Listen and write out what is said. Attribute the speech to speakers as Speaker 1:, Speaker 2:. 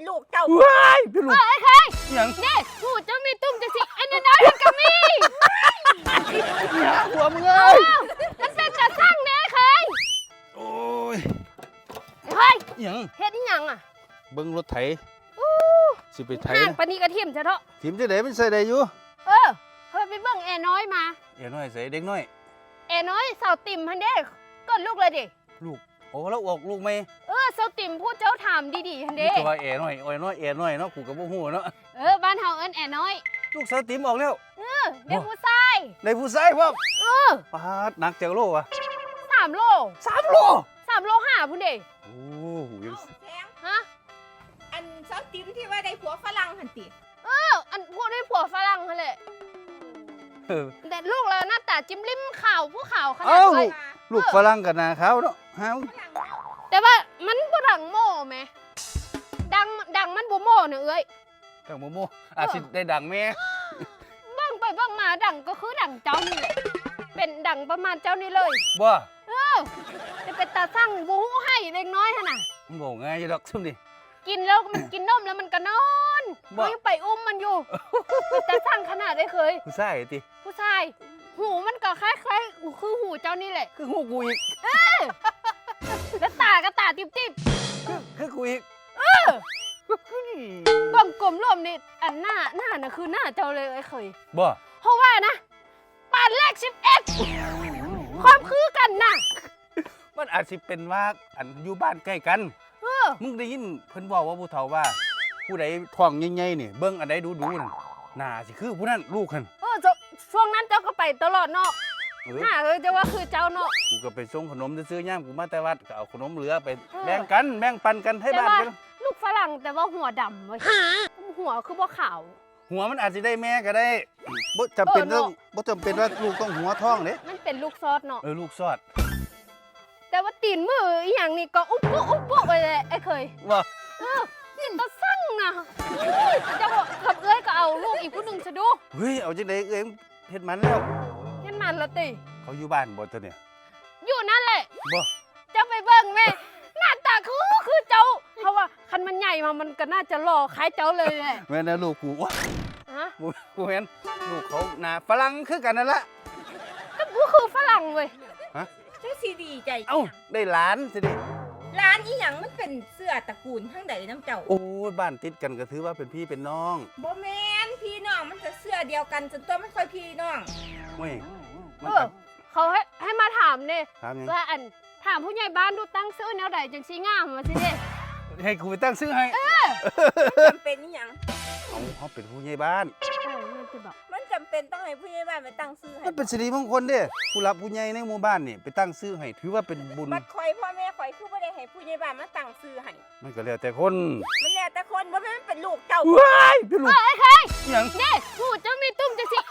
Speaker 1: ลูกเจ้า
Speaker 2: ว้ายเป็นลูก
Speaker 3: ไอ้ใคร
Speaker 2: ยัง
Speaker 3: นี่หูเจ้ามีตุ้มจะสิไอ้น้อยมันก็มี
Speaker 2: หัวมึงเอ้ย
Speaker 3: มันเป็นกระสั่งเนี่ยใคร
Speaker 2: โอ้ย
Speaker 3: เฮ้ย
Speaker 2: ยัง
Speaker 3: เฮ็ดอีหยังอ่ะ
Speaker 2: เบิ่งรถไถสิไปไถ
Speaker 3: ห่างปานนี้กระเทียมซะเถอะ
Speaker 2: ทีมจะได้มันใส่ได้อยู่
Speaker 3: เเฮ้ยไปเบิ่งแอน้อยมา
Speaker 2: เอ๋น้อยใส่เด็กน้อย
Speaker 3: แอน้อยสาวติ่มพันเด้ก้นลูกเลยดิ
Speaker 2: ลูกโอ้แล้วออกลูกไหม
Speaker 3: สาวติ่มพูดเจ้าถามดีๆพัน
Speaker 2: นี่
Speaker 3: เด้
Speaker 2: ตัวเอ๋น้อยเอ๋น้อยเอ๋น้อยเนาะกูกับบ่ฮู้เนาะ
Speaker 3: บ้านเฮาเอิ้นแอน้อย
Speaker 2: ลูกสาวติ๋มออกแล้ว
Speaker 3: เด็กผู้ชาย
Speaker 2: ในผู้ชายพร้อม
Speaker 3: 3
Speaker 2: ปาดหนักจังโลวะ
Speaker 3: โล
Speaker 2: 3 โล
Speaker 3: 3 โล5พุ่นเด้
Speaker 2: โอ้โหยัง
Speaker 1: แพง
Speaker 3: ฮะ
Speaker 1: อันซอสติมที่ว่าได้ผัวฝรั่งหันติ
Speaker 3: อันพวกนี้ผัวฝรั่งหั่นแหละ
Speaker 2: เออ
Speaker 3: แต่ลูกเราหน้าตาจิ้มลิ้มขาวผู้ขาวขนา
Speaker 2: เอ้า
Speaker 3: ดเลย
Speaker 2: ลูกฝรั่งกับหนาขาวเนาะฮะ
Speaker 3: แต่ว่ามันบ่ดังโม่แหมดังมันบ่โม่เนอะเอ้ย
Speaker 2: จังโมโมอาจสิได้ดังแม่
Speaker 3: เบิ่งไปเบิ่งมาดังก็คือดังเจ้านี่แหละเป็นดังประมาณเจ้านี่เลย
Speaker 2: บ่
Speaker 3: จะเป็นตาสั่งบ่ฮู้ให้เล็กน้อยหั่นน่ะ
Speaker 2: มันบ่ง่ายอยู่ดอกซุ่มนี่
Speaker 3: กินแล้วมันกินนมแล้วมันก็นอน
Speaker 2: บ่
Speaker 3: ยังไปอุ้มมันอยู่แต่สั่งขนาดได้เคย
Speaker 2: ผู้ชายติ
Speaker 3: ผู้ชายหูมันก็คล้ายๆคือหูเจ้านี่แหละ
Speaker 2: คือฮู้กูอีก
Speaker 3: แล้วตาก็ตาติ๊บ
Speaker 2: คือกูอีก
Speaker 3: ๆกลมกลมรวมนี่อันหน้าน่ะคือหน้าเจ้าเลยไอ้เคย
Speaker 2: บ่
Speaker 3: เพราะว่านะปานแรก11ความคือกันน่ะ
Speaker 2: มันอาจสิเป็นว่าอันอยู่บ้านใกล้กันมึงได้ยินเพิ่นบอกว่าผู้เฒ่าว่า ผู้ใดท้องใหญ่ๆนี่เบิ่งอันใดดูๆนั่นน่าสิคือผู้นั้นลูกหั่น
Speaker 3: ช่วงนั้นเจ้าก็ไปตลอดเนาะ
Speaker 2: เออ
Speaker 3: หน้าเลยจะว่าคือเจ้าเนาะ
Speaker 2: กูก็ไปส่งขนมซื้อย่ามกูมาแต่วัดก็เอาขนมเหลือไปแบ่งกันแบ่งปันกันให้บ้านกัน
Speaker 3: ลูกฝรั่งแต่ว่าหัวดำเว้ยหัวคือบ่ขาว
Speaker 2: หัวมันอาจสิได้แม่ก็ได้บ่จำเป็นต้องบ่จำเป็นว่าลูกต้องหัวท้องเด้
Speaker 3: มันเป็นลูกซอสเนาะ
Speaker 2: ลูกซอด
Speaker 3: แต่ว่าตีนมืออีหยังนี่ก็อุ๊บปุ๊บไปเลยไอ้เคย
Speaker 2: ว่า
Speaker 3: ตาสั่งนะจะบอกขับเอ้ยก็เอาลูกอีกผู้หนึ่งซะดู
Speaker 2: เฮ้ยเอาจังได๋เอ้ยเฮ็ดมันแล้ว
Speaker 3: เห็นมันละติ
Speaker 2: เขาอยู่บ้านบ่ตัวเนี่ย
Speaker 3: อยู่นั่นแหละ
Speaker 2: บ่
Speaker 3: จะไปเบิ่งแม่หน้าตาคือเจ้าเพราะว่าคันมันใหญ่มามันก็น่าจะหล่อคล้ายเจ้าเลยแหละ
Speaker 2: แม่นะลูกกูว้า
Speaker 3: ฮะ
Speaker 2: บ่เห็นลูกเขาหน้าฝรั่งคือกันนั่นละ
Speaker 3: ก็กูคือฝรั่งเว้ย
Speaker 1: จังสิดีใจ
Speaker 2: เอ้าได้หลานสิดิ
Speaker 1: ร้านอีหยังมันเป็นเสื้อตระกูลทั้งใดน้ำเจ้า
Speaker 2: โอ้ยบ้านติดกันก็ถือว่าเป็นพี่เป็นน้อง
Speaker 1: บ่แม่นพี่น้องมันจะเสื้อเดียวกันจนตัวมันค่อยพี่น้อง
Speaker 2: เว้ยมัน
Speaker 3: เขาให้มาถามเนี่ย
Speaker 2: ถามหยัง
Speaker 3: ว่าอันถามผู้ใหญ่บ้านดูตั้งซื้อแนวใดจังสีงามมาสิเด้
Speaker 2: ให้กูไปตั้งชื่อให้
Speaker 1: มันจำเป็นอีหยัง
Speaker 2: เขาเป็นผู้ใหญ่บ้าน
Speaker 3: มันจะบอก
Speaker 1: มันจำเป็นต้องให้ผู้ใหญ่บ้านไปตั้งชื่อให้
Speaker 2: มันเป็นสิริมงคลเด้ผู้รับผู้ใหญ่ในหมู่บ้านนี่ไปตั้งชื่อให้ถือว่าเป็นบุญ
Speaker 1: บัดข่อยพ่อแม่ข่อยคือบ่ได้ให้ผู้ใหญ่บ้านมาตั้งชื่อให้
Speaker 2: มันก็แล้วแต่คน
Speaker 1: มันแล้วแต่คนบ่แม่นมันเป็นลูกเจ้า
Speaker 2: ว้ายเป็นลูก
Speaker 3: ไอ้ใคร
Speaker 2: หยัง
Speaker 3: เนี่ยหูเจ้ามีตุ้มจังสิ